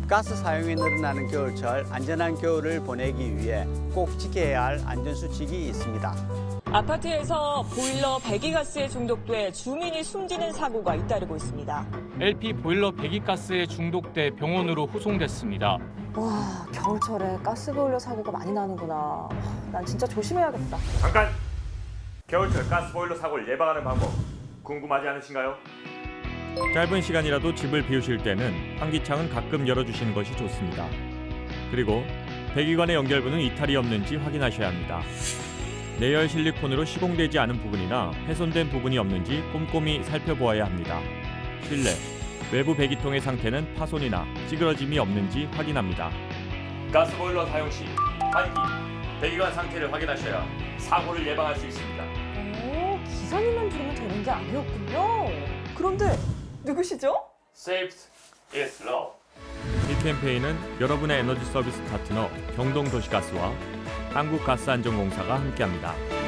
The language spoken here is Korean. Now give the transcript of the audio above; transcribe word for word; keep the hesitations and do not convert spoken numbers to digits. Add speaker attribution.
Speaker 1: 가스 사용이 늘어나는 겨울철 안전한 겨울을 보내기 위해 꼭 지켜야 할 안전수칙이 있습니다.
Speaker 2: 아파트에서 보일러 배기가스에 중독돼 주민이 숨지는 사고가 잇따르고 있습니다.
Speaker 3: 엘피 보일러 배기가스에 중독돼 병원으로 후송됐습니다.
Speaker 4: 와, 겨울철에 가스보일러 사고가 많이 나는구나. 난 진짜 조심해야겠다.
Speaker 5: 잠깐! 겨울철 가스보일러 사고를 예방하는 방법 궁금하지 않으신가요?
Speaker 6: 짧은 시간이라도 집을 비우실 때는 환기창은 가끔 열어주시는 것이 좋습니다. 그리고 배기관의 연결부는 이탈이 없는지 확인하셔야 합니다. 내열 실리콘으로 시공되지 않은 부분이나 훼손된 부분이 없는지 꼼꼼히 살펴보아야 합니다. 실내, 외부 배기통의 상태는 파손이나 찌그러짐이 없는지 확인합니다.
Speaker 5: 가스보일러 사용 시 환기, 배기관 상태를 확인하셔야 사고를 예방할 수 있습니다.
Speaker 4: 오, 기사님만 부르면 되는 게 아니었군요. 그런데 누구시죠?
Speaker 5: Saved is love.
Speaker 6: 이 캠페인은 여러분의 에너지 서비스 파트너 경동도시가스와 한국가스안전공사가 함께합니다.